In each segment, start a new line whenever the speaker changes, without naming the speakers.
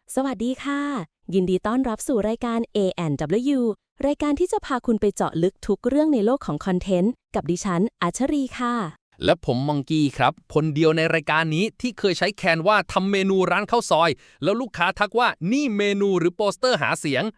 สวัสดีค่ะยินดีต้อนรับสู่รายการ A&W รายการที่จะพาคุณไปเจาะลึกทุกเรื่องในโลกของคอนเทนต์กับดิฉันอัชรีค่ะ
และผมมังกี้ครับคนเดียวในรายการนี้ที่เคยใช้แคนว่าทำเมนูร้านข้าวซอยแล้วลูกค้าทักว่านี่เมนูหรือโปสเตอร์หาเสียง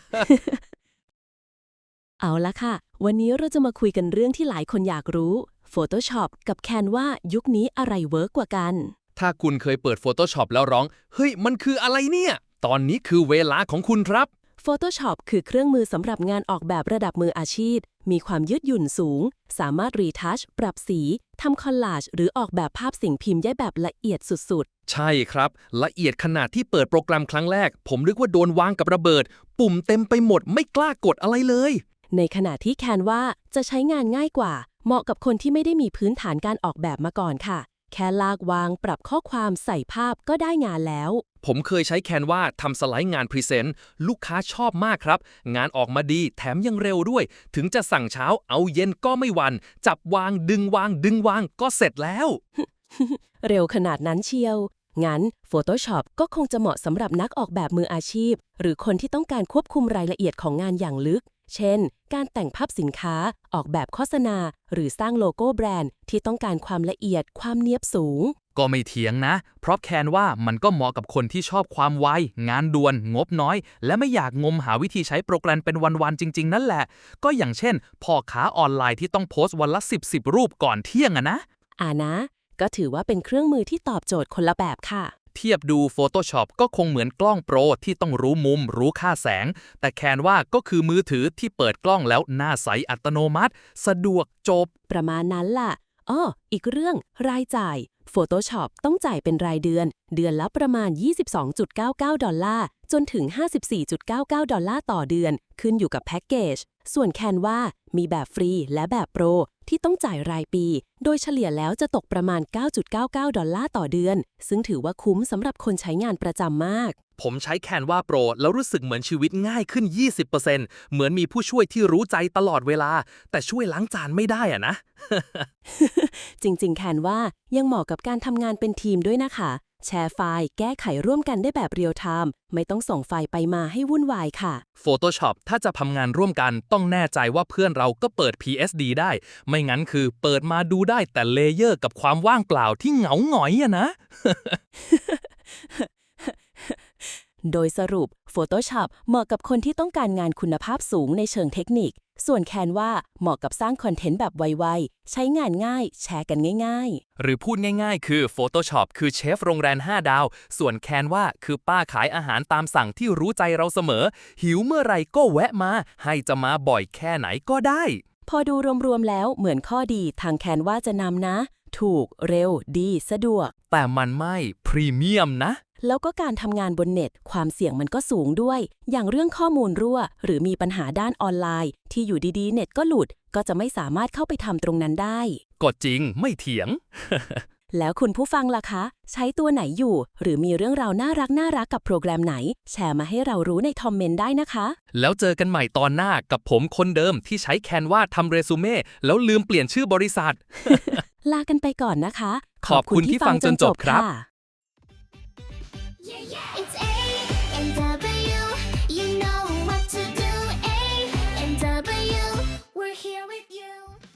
เอาละค่ะ วันนี้เราจะมาคุยกันเรื่องที่หลายคนอยากรู้ Photoshop กับ Canva ยุคนี้อะไรเวิร์กกว่ากัน
ถ้าคุณเคยเปิด Photoshop แล้วร้องเฮ้ยมันคืออะไรเนี่ยตอนนี้คือเวลาของคุณครับ
Photoshop คือเครื่องมือสำหรับงานออกแบบระดับมืออาชีพ มีความยืดหยุ่นสูง สามารถรีทัชปรับสีทำคอลลาจหรือออกแบบภาพสิ่งพิมพ์ได้แบบละเอียดสุด
ใช่ครับละเอียดขนาดที่เปิดโปรแกรมครั้งแรกผมนึกว่าโดนวางกับระเบิดปุ่มเต็มไปหมดไม่กล้ากดอะไรเลย
ๆ ในขณะที่ Canva จะใช้งานง่ายกว่า เหมาะกับคนที่ไม่ได้มีพื้นฐานการออกแบบมาก่อนค่ะ แค่ลากวางปรับข้อความใส่ภาพก็ได้งานแล้ว
ผมเคยใช้แคนวาทำสไลด์งานพรีเซนต์ลูกค้าชอบมากครับงานออกมาดีแถมยังเร็วด้วย ถึงจะสั่งเช้าเอาเย็นก็ไม่หวัน จับวางดึงวางดึงวางก็เสร็จแล้ว
เร็วขนาดนั้นเชียว งั้น Photoshop ก็คงจะเหมาะสำหรับนักออกแบบมืออาชีพ หรือคนที่ต้องการควบคุมรายละเอียดของงานอย่างลึก เช่น การแต่งภาพสินค้า ออกแบบโฆษณา หรือสร้างโลโก้แบรนด์ที่ต้องการความละเอียด ความเนียบสูง
ก็ไม่เถียงนะ เพราะแคนว่ามันก็เหมาะกับคนที่ชอบความไว งานด่วน งบน้อย และไม่อยากงมหาวิธีใช้โปรแกรมเป็นวันๆจริงๆนั่นแหละ ก็อย่างเช่นพ่อค้าออนไลน์ที่ต้องโพสต์วันละ10รูปก่อนเที่ยงอะนะ
นะ ก็ถือว่าเป็นเครื่องมือที่ตอบโจทย์คนละแบบค่ะ
เทียบดู Photoshop ก็คงเหมือนกล้องโปรที่ต้องรู้มุม รู้ค่าแสง แต่แคนว่าก็คือมือถือที่เปิดกล้องแล้วหน้าใสอัตโนมัติ สะดวกจบ
ประมาณนั้นล่ะอีกเรื่องรายจ่าย Photoshop ต้องจ่ายเป็นรายเดือน เดือนละประมาณ 22.99 ดอลลาร์จนถึง 54.99 ดอลลาร์ต่อเดือน ขึ้นอยู่กับแพ็กเกจ ส่วน Canva มีแบบฟรีและแบบโปรที่ต้องจ่ายรายปี โดยเฉลี่ยแล้วจะตกประมาณ 9.99 ดอลลาร์ต่อเดือน ซึ่งถือว่าคุ้มสำหรับคนใช้งานประจำมาก
ผมใช้แคนวาโปรแล้วรู้สึกเหมือนชีวิตง่ายขึ้น 20%เหมือนมีผู้ช่วยที่รู้ใจตลอดเวลา แต่ช่วยล้างจานไม่ได้อะนะ
จริงๆ Canva ยังเหมาะกับการทำงานเป็นทีมด้วยนะคะ แชร์ไฟล์ แก้ไขร่วมกันได้แบบเรียลไทม์ ไม่ต้องส่งไฟล์ไปมาให้วุ่นวายค่ะ
Photoshop ถ้าจะทำงานร่วมกันต้องแน่ใจว่าเพื่อนเราก็เปิด PSD ได้ ไม่งั้นคือเปิดมาดูได้แต่เลเยอร์กับความว่างเปล่าที่เหงาหงอยอะนะ
โดยสรุป Photoshop เหมาะกับคนที่ต้องการงานคุณภาพสูงในเชิงเทคนิค ส่วน Canva เหมาะกับสร้างคอนเทนต์แบบไวๆ ใช้งานง่าย แชร์กันง่ายๆ
หรือพูดง่ายๆ คือ Photoshop คือเชฟโรงแรม5 ดาว ส่วน Canva คือป้าขายอาหารตามสั่งที่รู้ใจเราเสมอ หิวเมื่อไหร่ก็แวะมา ให้จะมาบ่อยแค่ไหนก็ได้
พอดูรวมๆแล้วเหมือนข้อดีทางแคนว่าจะนำนะ ถูก เร็ว ดี สะดวก
แต่มันไม่พรีเมียมนะ
แล้วก็การทำงานบนเน็ต ความเสี่ยงมันก็สูงด้วย อย่างเรื่องข้อมูลรั่ว หรือมีปัญหาด้านออนไลน์ ที่อยู่ดีๆ เน็ตก็หลุด ก็จะไม่สามารถเข้าไปทำตรงนั้นได้
ก็จริงไม่เถียง
แล้วคุณผู้ฟังล่ะคะ ใช้ตัวไหนอยู่ หรือมีเรื่องราวน่ารักกับโปรแกรมไหน แชร์มาให้เรารู้ในคอมเมนต์ได้นะคะ
แล้วเจอกันใหม่ตอนหน้ากับผมคนเดิมที่ใช้แคนวาทำเรซูเม่แล้วลืมเปลี่ยนชื่อบริษัท
ลากันไปก่อนนะคะ
ขอบคุณที่ฟังจนจบครับ
ค่ะ
Yeah, yeah.